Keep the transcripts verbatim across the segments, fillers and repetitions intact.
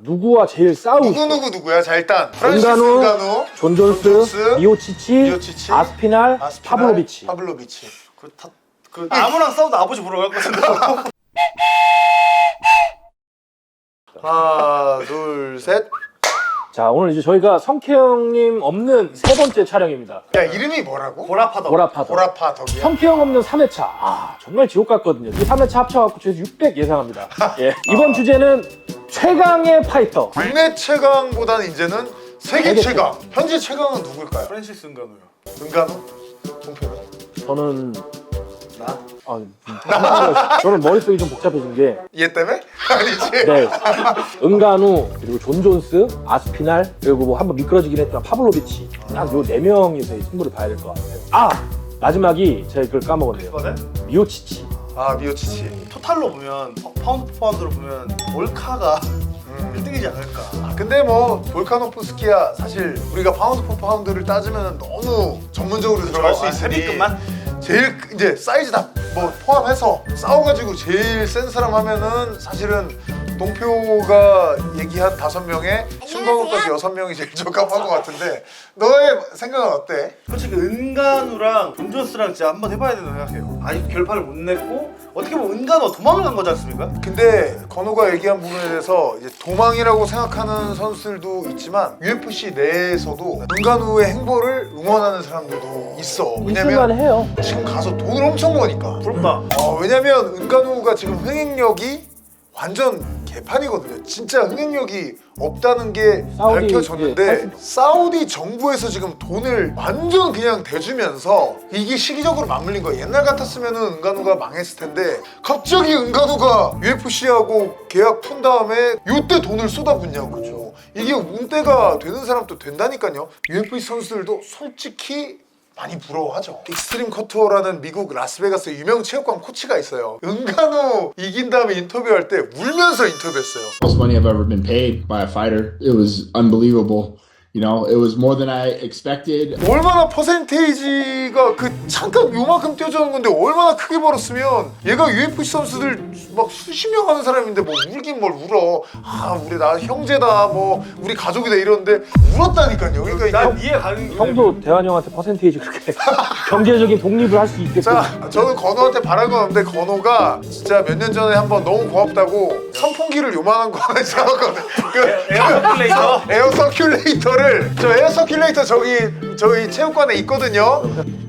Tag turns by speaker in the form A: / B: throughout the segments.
A: 누구와 제일 싸우고
B: 누구
A: 싶어?
B: 누구 누구야? 자 일단 프란시스
A: 은가누,
B: 은가누,
A: 존 존스,
B: 존 존스,
A: 미오치치,
B: 미오치치,
A: 아스피날,
B: 아스피날,
A: 파블로비치.
B: 파블로비치.
C: 그, 다, 그 아무랑 싸워도 아버지 보러 갈 거잖아.
B: 하나 둘 셋.
A: 자, 오늘 이제 저희가 성태형님 없는 세 번째 촬영입니다.
B: 야 이름이 뭐라고?
C: 보라파더.
A: 보라파더.
B: 보라파 덕이야?
A: 성태형 없는 삼 회차. 아, 정말 지옥 같거든요. 이 삼 회차 합쳐갖고 저희 육백 예상합니다. 예. 이번 주제는 최강의 파이터.
B: 국내 최강보다는 이제는 세계
A: 세계
B: 최강. 현재 최강은 누굴까요?
C: 프란시스 은가누요.
B: 은가누? 동표는?
A: 저는
C: 나?
A: 아, 음, 저는 머릿속이 좀 복잡해진 게
B: 얘 때문에? 아니지?
A: 네. 은가누, 그리고 존 존스, 아스피날, 그리고 뭐 한번 미끄러지긴 했지만 파블로비치. 딱 요 네 명이서 이 승부를 봐야 될 것 같아요. 아! 마지막이 제가 그걸 까먹었네요.
C: 이거는
A: 미오치치.
B: 아 미오치치.
C: 토탈로 보면 파- 파운드 포 파운드로 보면 몰카가
B: 음.
C: 일 등이지 않을까.
B: 아, 근데 뭐 볼카노프스키야 사실 우리가 파운드 포 파운드를 따지면 너무 전문적으로 들어갈 수
C: 아,
B: 있으니
C: 헤비급만?
B: 제일 크- 이제 사이즈 다 뭐 포함해서 싸워가지고 제일 센 사람 하면은 사실은 동표가 얘기한 다섯 명에 신광호까지 여섯 명이 제일 적합한 것 같은데 너의 생각은 어때?
C: 솔직히 은가누랑 존 존스랑 진짜 한번 해봐야 된다고 생각해요. 아직 결판을 못 냈고 어떻게 보면 은가누가 도망을 간 거지 않습니까?
B: 근데 건호가 얘기한 부분에 대해서 이제 도망이라고 생각하는 선수들도 있지만 유에프씨 내에서도 은간우의 행보를 응원하는 사람들도 있어.
A: 이
B: 왜냐면
A: 순간 해요.
B: 지금 가서 돈을 엄청 버니까.
C: 부럽다.
B: 어, 왜냐면 은간우가 지금 흥행력이 완전 개판이거든요. 진짜 흥행력이 없다는 게
A: 사우디,
B: 밝혀졌는데
A: 예,
B: 사우디 정부에서 지금 돈을 완전 그냥 대주면서 이게 시기적으로 맞물린 거야. 옛날 같았으면 은간우가 망했을 텐데 갑자기 은간우가 유에프씨하고 계약 푼 다음에 이때 돈을 쏟아붓냐고. 그죠? 이게 운대가 되는 사람도 된다니까요. 유에프씨 선수들도 솔직히 많이 부러워하죠. 익스트림 커터라는 미국 라스베가스 유명 체육관 코치가 있어요. 은간우 이긴 다음에 인터뷰할 때 울면서 인터뷰했어요.
D: Most money I've ever been paid by a fighter. It was unbelievable. You know, it was more than I expected.
B: 얼마나 퍼센테이지가 그 잠깐 요만큼 뛰어주는 건데 얼마나 크게 벌었으면 얘가 유에프씨 선수들 막 수십 명 하는 사람인데 뭐 울긴 뭘 울어. 아 우리 나 형제다 뭐 우리 가족이다 이러는데 울었다니까요. 그러니까 이게
C: 난 이해 가는 게
A: 형도 대환 형한테 퍼센테이지 그렇게 경제적인 독립을 할 수 있게끔.
B: 자, 저는 건호한테 바란 건 없는데 건호가 진짜 몇 년 전에 한번 너무 고맙다고 선풍기를 요만한 거 하나 잡았거든. 그
C: 에어 서큘레이터?
B: 에어 서큘레이터를 저 에어 서큘레이터 저기 저희 체육관에 있거든요.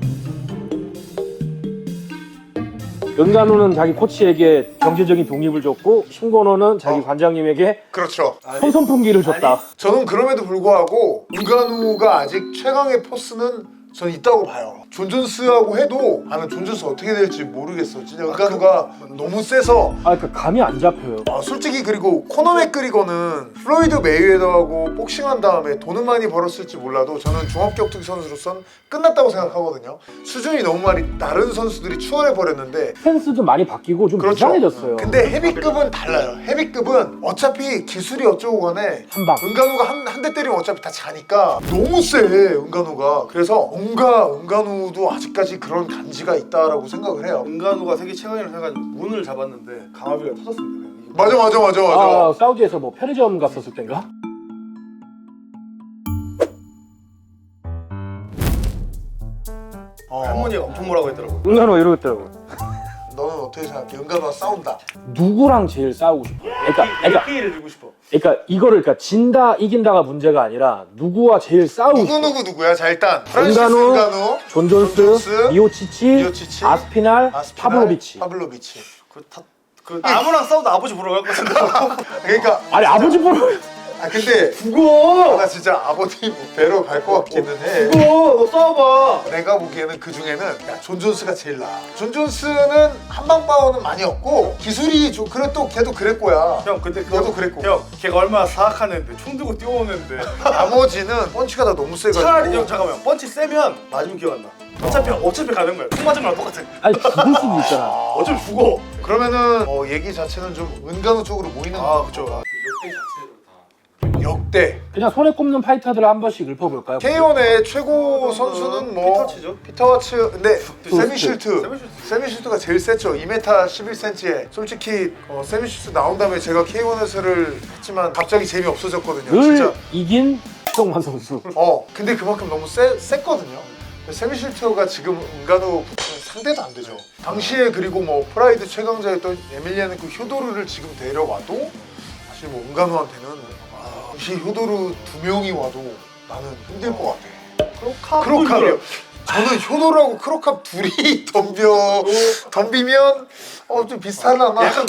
A: 은간우는 자기 코치에게 경제적인 독립을 줬고 신건호는 자기
B: 어.
A: 관장님에게
B: 그렇죠.
A: 손선풍기를 줬다.
B: 저는 그럼에도 불구하고 은간우가 아직 최강의 포스는 저는 있다고 봐요. 존 존스하고 해도 나는 존 존스 어떻게 될지 모르겠어. 진짜 은간우가 너무 세서
A: 아, 그러니까 감이 안 잡혀요.
B: 아, 솔직히 그리고 코너 맥그리거는 플로이드 메이웨더하고 복싱한 다음에 돈은 많이 벌었을지 몰라도 저는 종합격투기 선수로선 끝났다고 생각하거든요. 수준이 너무 많이 다른 선수들이 추월해 버렸는데
A: 스탠스도 많이 바뀌고 좀
B: 그렇죠.
A: 이상해졌어요.
B: 근데 헤비급은 달라요. 헤비급은 어차피 기술이 어쩌고 간에
A: 한 방.
B: 은간우가 한 한 대 때리면 어차피 다 자니까 너무 세 은간우가. 그래서 뭔가 은간우도 아직까지 그런 간지가 있다라고 생각을 해요.
C: 은가누가 세계 최강이라고 생각하고 문을 잡았는데 강화비가 터졌습니다. 그냥.
B: 맞아 맞아 맞아 맞아.
A: 아, 사우디에서 뭐 편의점 갔었을 땐가?
B: 어,
C: 할머니가 엄청 뭐라고 했더라고.
A: 은간우가 이러고 있더라고요.
B: 너는 어떻게 생각해? 은간우가 싸운다.
A: 누구랑 제일 싸우고 싶어? 그러니까, 그러니까,
C: K를 주고 싶어.
A: 그러니까 이거를 그러니까 진다 이긴다가 문제가 아니라 누구와 제일 싸우고
B: 누구
A: 싶어?
B: 누구 누구야? 자 일단 프란시스
A: 은간우,
B: 은간우,
A: 존 존스,
B: 존 존스,
A: 미오치치,
B: 미오치치,
A: 아스피날,
B: 아스피날,
A: 파블로비치.
B: 파블로비치.
C: 그, 다, 그 아무랑 싸워도 아버지 보러 갈 거잖아.
B: 그러니까
A: 아니 아버지 보러
B: 아 근데
C: 죽어!
B: 나 진짜 아버님 뵈러 갈 것 같기는 해.
C: 죽어! 너 싸워봐!
B: 내가 보기에는 그 중에는 야, 존 존스가 제일 나아. 존 존스는 한방 파워는 많이 없고 기술이 좀 그래 또 걔도 그랬고야.
C: 형 근데 그
B: 너도 그랬고.
C: 형 걔가 얼마나 사악한 애인데 총 들고 뛰어오는데
B: 나머지는 펀치가 다 너무 세가지고.
C: 차라리 형 잠깐만 펀치 세면 맞으면 기억 안 나. 어차피 어차피 가는 거야. 총 맞은 거랑 똑같아.
A: 아니 죽을 수도 있잖아.
C: 어차피 죽어.
B: 그러면은 어, 얘기 자체는 좀 은간우 쪽으로 모이는
C: 아 그쵸.
B: 역대
A: 그냥 손에 꼽는 파이터들을 한 번씩 읊어볼까요?
B: 케이원의 최고 선수는 뭐
C: 피터치죠.
B: 피터와츠 근데
A: 그
B: 세미실트
C: 세미실트.
B: 세미실트가 제일 셌죠. 이 미터 십일 센티미터에 솔직히 어, 세미실트 나온 다음에 제가 케이원에서를 했지만 갑자기 재미 없어졌거든요.
A: 늘
B: 진짜
A: 이긴 최동만 선수.
B: 어 근데 그만큼 너무 세, 셌거든요. 세미실트가 지금 은간호 붙으면 상대도 안 되죠. 당시에 그리고 뭐 프라이드 최강자였던 에밀리아는 그 효도르를 지금 데려와도 사실 뭐 은간호한테는 아, 당시 효도르 두 명이 와도 나는 힘들 것 같아.
C: 크로캅.
B: 크로캅이요. 저는 효도르하고 크로캅 둘이 덤벼 덤비면 어 좀 비슷하려나?
C: 약간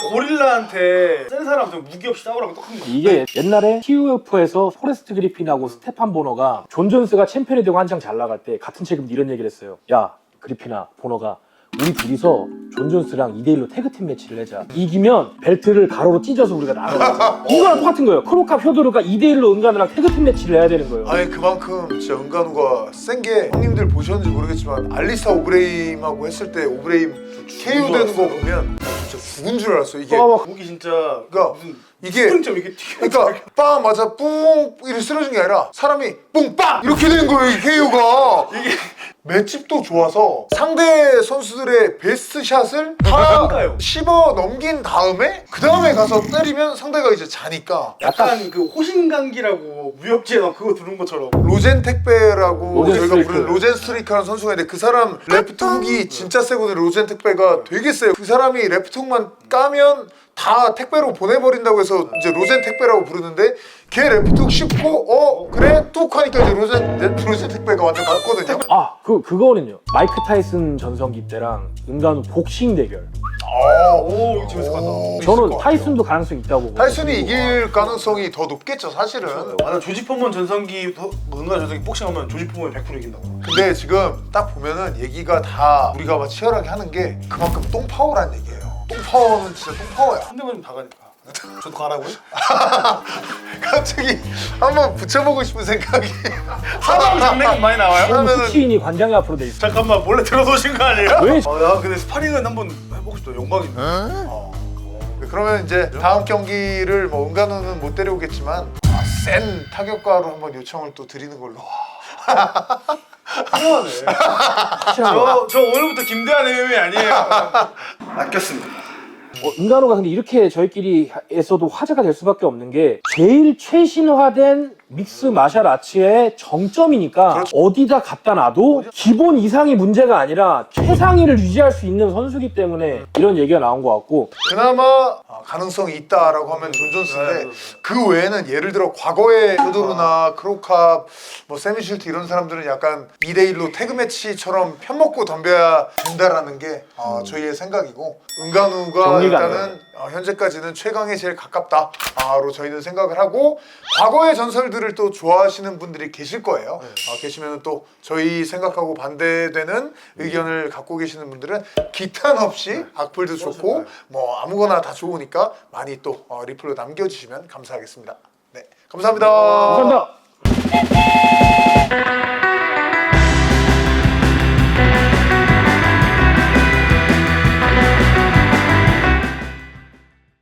C: 고릴라한테 센 사람 좀 무기 없이 싸우라고 똑같은 거.
A: 이게 옛날에 티유에프에서 포레스트 그리핀하고 스테판 보너가 존 존스가 챔피언이 되고 한창 잘 나갈 때 같은 책임도 이런 얘기를 했어요. 야 그리핀아 보너가 우리 둘이서 존 존스랑 이 대 일로 태그팀 매치를 하자. 이기면 벨트를 가로로 찢어서 우리가 나가. 이거랑 똑같은 거예요. 크로캅 효도르가 이 대 일로 은간호랑 태그팀 매치를 해야 되는 거예요.
B: 아니 그만큼 진짜 은간호가 센 게 형님들 보셨는지 모르겠지만 알리스타 오브레임하고 했을 때 오브레임 케이오 되는 거 보면 진짜 죽은 줄 알았어 이게.
A: 어,
C: 무기 진짜
B: 그러니까
C: 무슨
B: 이게
C: 스프링점 이렇게 튀겨.
B: 그러니까 빵 맞아 뿡 이렇게 쓰러진 게 아니라 사람이 뿡빵 이렇게 되는 거예요 이 케이오가. 이게 맷집도 좋아서 상대 선수들의 베스트 샷을 다
C: 그러니까요.
B: 씹어 넘긴 다음에 그 다음에 가서 때리면 상대가 이제 자니까.
C: 약간 그 호신강기라고 무협지에 나 그거 들은 것처럼.
B: 로젠 택배라고
A: 로젠
B: 저희가
A: 스트리크.
B: 부르는 로젠 스트리크라는 선수가 있는데 그 사람 레프트 훅이 진짜 세거든요. 로젠 택배가 되게 세요. 그 사람이 레프트 훅만 까면 다 택배로 보내버린다고 해서 이제 로젠 택배라고 부르는데 걔 레프트 훅 씹고 어 그래 뚝 하니까 이제 로젠 네, 로젠 택배가 완전 갔거든요.
A: 아, 그 그거는요. 마이크 타이슨 전성기 때랑 은간호 복싱 대결.
B: 아,
C: 오 이거 재밌을 것 같다.
B: 있을
A: 저는
B: 것
A: 타이슨도 가능성이 있다고 보거든요.
B: 타이슨이 이길 가능성이 더 높겠죠 사실은.
C: 아, 나 조지 포먼 전성기 은간 전성기 복싱하면 조지 포먼이 백 퍼센트 이긴다고.
B: 근데 지금 딱 보면은 얘기가 다 우리가 막 치열하게 하는 게 그만큼 똥파워란 얘기예요. 똥파워는 진짜 똥파워야.
C: 상대방이 다 가니까. 저도 가라고요?
B: 갑자기 한번 붙여보고 싶은 생각이.
C: 사람 장난감 많이 나와요?
B: 하면은
A: 수치인이 관장이 앞으로 돼 있어.
C: 잠깐만 몰래 들어서신 거 아니에요?
A: 왜?
C: 어, 야 근데 스파링은 한번 해보고 싶다. 영광이네. 어.
B: 그러면 이제 다음 경기를 뭐 은간호는 못 데려오겠지만 아, 센 타격가로 한번 요청을 또 드리는 걸로.
C: 훌륭하네.
A: 확실한 거.
C: 저, 저 오늘부터 김대한 엠엠에이 아니에요. 아꼈습니다.
A: 어, 은간호가 근데 이렇게 저희끼리에서도 화제가 될 수밖에 없는 게 제일 최신화된 믹스 마샬 아츠의 정점이니까
B: 그렇죠.
A: 어디다 갖다 놔도 기본 이상이 문제가 아니라 최상위를 유지할 수 있는 선수기 때문에 이런 얘기가 나온 것 같고
B: 그나마 아, 가능성이 있다라고 하면 존 존스인데
C: 네,
B: 그 외에는 예를 들어 과거의 효도르나 크로캅, 뭐 세미실트 이런 사람들은 약간 이 대 일로 태그 매치처럼 편먹고 덤벼야 된다라는 게 어, 저희의 생각이고 은간우가
A: 정리가 안
B: 일단은 어, 현재까지는 최강에 제일 가깝다로 저희는 생각을 하고 과거의 전설들을 또 좋아하시는 분들이 계실 거예요. 어, 계시면 또 저희 생각하고 반대되는 의견을 갖고 계시는 분들은 기탄 없이 악플도 좋고 뭐 아무거나 다 좋으니까 많이 또 어, 리플로 남겨주시면 감사하겠습니다. 네, 감사합니다.
A: 감사합니다.